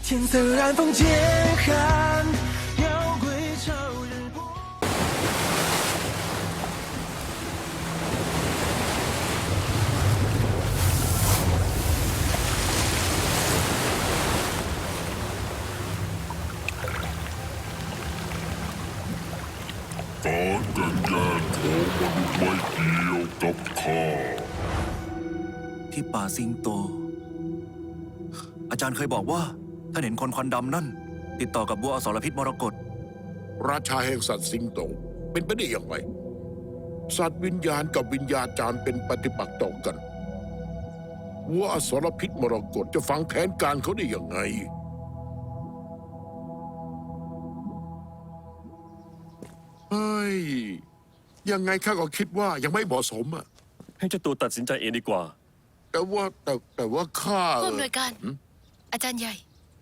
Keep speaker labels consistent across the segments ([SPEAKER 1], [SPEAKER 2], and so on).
[SPEAKER 1] 天色染风渐寒，妖归朝日过。
[SPEAKER 2] การกันแย่งของมนุษย์ไม่เกี่ยวกับข้า
[SPEAKER 3] ที่ป่าสิงโตอาจารย์เคยบอกว่าถ้าเห็นคนควันดำนั่นติดต่อกับบัวอสรพิษมรกต
[SPEAKER 4] ราชาแห่งสัตว์สิงโตเป็นไปได้อย่างไรสัตว์วิญญาณกับวิญญาจารย์เป็นปฏิปักษ์ต่อกันวัวอสรพิษมรกตจะฟังแผนการเขาได้ยังไงเฮ้ยยังไงข้าก็คิดว่ายังไม่เหมาะสมอะ
[SPEAKER 5] ให้เจ้าตัวตัดสินใจเองดีกว่า
[SPEAKER 4] แต่ว่าข้า
[SPEAKER 6] ผู้อำนวยการอาจารย์ใหญ่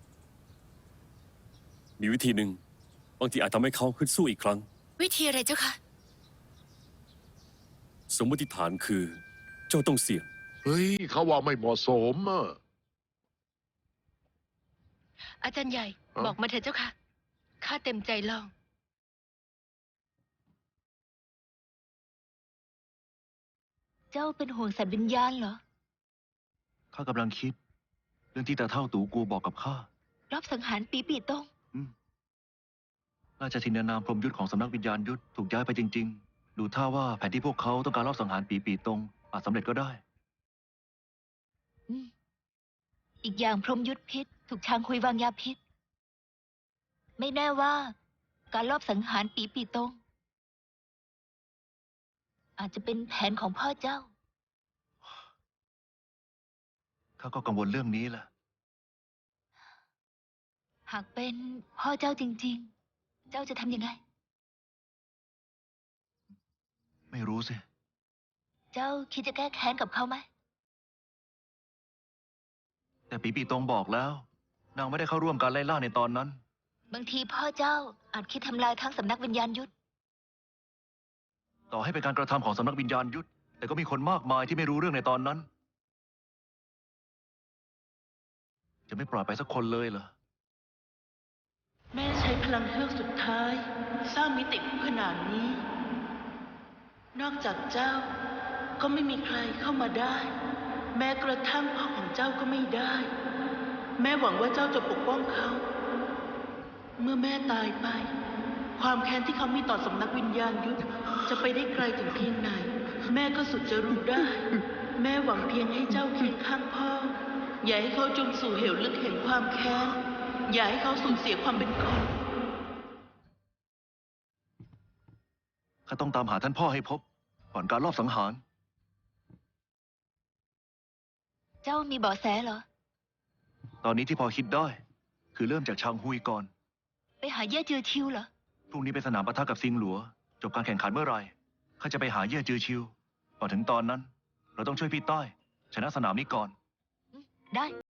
[SPEAKER 5] มีวิธีหนึ่งบางทีอาจทำให้เขาขึ้นสู้อีกครั้ง
[SPEAKER 6] วิธีอะไรเจ้าคะ
[SPEAKER 5] สมมติฐานคือ เจ้าต้องเสี่ยง
[SPEAKER 4] เฮ้ยเขาว่าไม่เหมาะสมอะ
[SPEAKER 6] อาจารย์ใหญ่ บอกมาเถอะเจ้าค่ะข้าเต็มใจลอง เจ้าเป็นห่วงสัตว์วิญญาณเหรอ
[SPEAKER 3] ข้ากำลังคิดเรื่องที่ตาเท่าตู่กูบอกกับข้าร
[SPEAKER 6] อบสังหารปีตง
[SPEAKER 3] ราชทินานามพรหมยุทธของสำนักวิญญาณยุทธถูกย้ายไปจริงๆดูท่าว่าแผนที่พวกเขาต้องการรอบสังหารปีตงอาจสำเร็จก็ได้
[SPEAKER 6] อีกอย่างพรหมยุทธพิษถูกช้างคุยวางยาพิษ ไม่แน่ว่า การลอบสังหารปีตง อาจจะเป็นแผนของพ่อเจ้า
[SPEAKER 3] ข้าก็กังวลเรื่องนี้แหละ
[SPEAKER 6] หากเป็นพ่อเจ้าจริงๆ เจ้าจะทำยังไง
[SPEAKER 3] ไม่รู้สิ
[SPEAKER 6] เจ้าคิดจะแก้แค้นกับเขาไหม
[SPEAKER 3] แต่ปีตงบอกแล้วนางไม่ได้เข้าร่วมการไล่ล่าในตอนนั้น
[SPEAKER 6] บางทีพ่อเจ้าอาจคิดทำลายทั้งสำนักวิญญาณยุทธ
[SPEAKER 3] ต่อให้เป็นการกระทำของสำนักวิญญาณยุทธแต่ก็มีคนมากมายที่ไม่รู้เรื่องในตอนนั้น จะไม่ปล่อยไปสักคนเลยเหรอ
[SPEAKER 7] แม่ใช้พลังเฮือกสุดท้าย สร้างมิติคู่ขนาดนี้ นอกจากเจ้าก็ไม่มีใครเข้ามาได้ แม้กระทั่งพ่อของเจ้าก็ไม่ได้ แม่หวังว่าเจ้าจะปกป้องเขา เมื่อแม่ตายไป ความแค้นที่เขามีต่อสำนักวิญญาณยุทธจะไปได้ไกลถึงเพียงไหน แม่ก็สุดจะรู้ได้ แม่หวังเพียงให้เจ้าเคียงข้างพ่ออย่าให้เขาจมสู่เหวลึกแห่งความแค้นอย่าให้เขาสูญเสียความเป็นคน
[SPEAKER 3] ข้าต้องตามหาท่านพ่อให้พบก่อนการลอบสังหาร
[SPEAKER 6] เจ้ามีเบาะแสเหรอ
[SPEAKER 3] ตอนนี้ที่พอคิดได้คือเริ่มจากชางฮุยก่อน
[SPEAKER 6] ไปหาเย่จือชิวเหรอ
[SPEAKER 3] พรุ่งนี้ไปสนามปะทะกับซิงหลัวจบการแข่งขันเมื่อไหร่ข้าจะไปหาเย่จือชิวก่อนถึงตอนนั้น เราต้องช่วยพี่ต้อยชนะสนามนี้ก่อน
[SPEAKER 6] ได้